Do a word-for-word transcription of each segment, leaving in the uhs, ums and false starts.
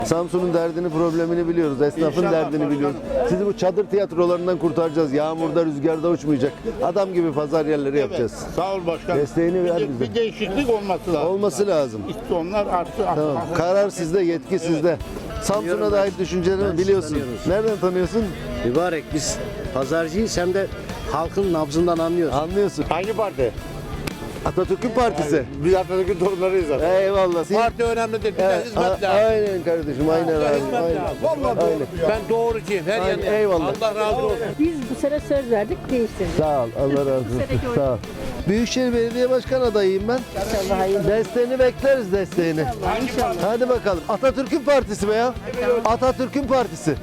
Samsun'un derdini, problemini biliyoruz. Esnafın İnşallah derdini başkanım. biliyoruz. Sizi bu çadır tiyatrolarından kurtaracağız. Yağmurda, rüzgarda uçmayacak. Adam gibi pazar yerleri yapacağız. Sağ ol başkanım. Desteğini bir, ver de- bize. bir değişiklik olması lazım. Olması lazım. İşte onlar artı. Tamam. Karar sizde, yetki sizde. Samsun'a dair düşüncelerini biliyorsun. tanıyoruz. Nereden tanıyorsun? Mübarek biz pazarcıyız hem de halkın nabzından anlıyoruz. Anlıyorsun. Hangi parti? Atatürk'ün partisi. Biz Atatürk'ün torunlarıyız zaten. Eyvallah. Siz- Parti önemli değil. Bir de Evet, hizmet a- lazım. aynen kardeşim, aynen abi. Hizmet Aynen. lazım. Vallahi doğru. Aynen. Ben doğrucuyum. Her Aynen, yerde. eyvallah. Allah razı olsun. Biz bu sene söz verdik, değiştirdik. Sağ ol, Allah razı olsun. seneki oyun. Sağ ol. Büyükşehir Belediye Başkan adayıyım ben. İnşallah hayırlı. Desteğini bekleriz, desteğini. Hadi bakalım. Atatürk'ün partisi be ya. Atatürk'ün partisi.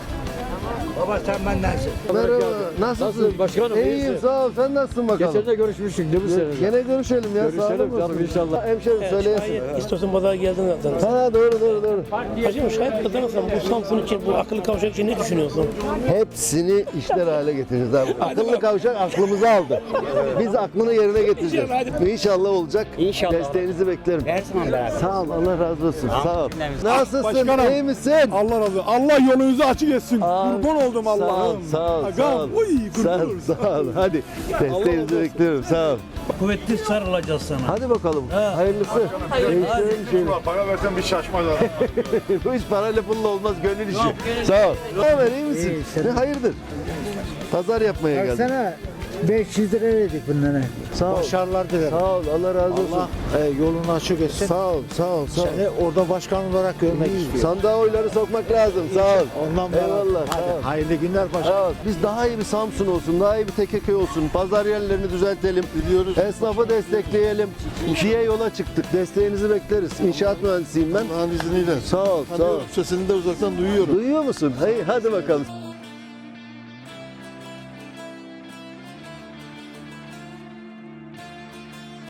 Baba sen bendensin. Merhaba. Nasılsın? Nasılsın başkanım, İyiyim, iyisin? sağ ol. Sen nasılsın bakalım? Geçen de görüşmüştük değil mi seninle? Gene görüşelim ya. Görüşelim sağ olun. canım, inşallah. Hemşerim söyleyesin. İstiyorsan pazara geldin zaten. Ha doğru doğru doğru. Hacım şahit kazanırsan bu Samsun için, bu akıllı kavşak için ne düşünüyorsun? Hepsini işler hale getireceğiz abi. Akıllı kavşak aklımızı aldı. Biz aklını yerine getireceğiz. İnşallah olacak. İnşallah. Desteğinizi beklerim. Her zaman beraber. Sağ ol, Allah razı olsun. Sağ ol. Nasılsın? Başkanım. İyi misin? Allah razı olsun. Allah yolunuzu açık etsin. Aa, Kurban oldum Sağ ol, Allah'ım. sağ ol, sağ ol. Agam, uy, kurban Sağ ol, olurum. sağ ol. Hadi desteğinizi bekliyorum. Sağ ol. Kuvvetli sarılacağız sana. Hadi bakalım. Hayırlısı. Değiştirelim şeyini. Para versen bir şaşmaz adam. Bu iş parayla pulla olmaz, gönül işi. Sağ ol. Ne haber, iyi misin? Ne hayırdır? Pazar yapmaya geldim. Baksana beş yüz lira verdik bunlara. Sağ ol. Başarılar dilerim. Sağ ol, Allah razı olsun. Allah e, yolunu açık etsin. Sağ ol, sağ ol, sağ ol. Seni orada başkan olarak görmek istiyorum. Sandığa oyları sokmak lazım. Sağ ol. Ondan bana- Eyvallah. Hadi, Sağ ol. hayırlı günler başkan. Sağ ol. Biz daha iyi bir Samsun olsun, daha iyi bir T K K olsun. Pazar yerlerini düzeltelim. Biliyoruz. Esnafı destekleyelim. İşiye yola çıktık. Desteğinizi bekleriz. İnşaat mühendisiyim ben. Allah'ın izniyle. Sağ ol, sağ ol. Sesini de uzaktan duyuyorum. Duyuyor musun? Hey, hadi bakalım.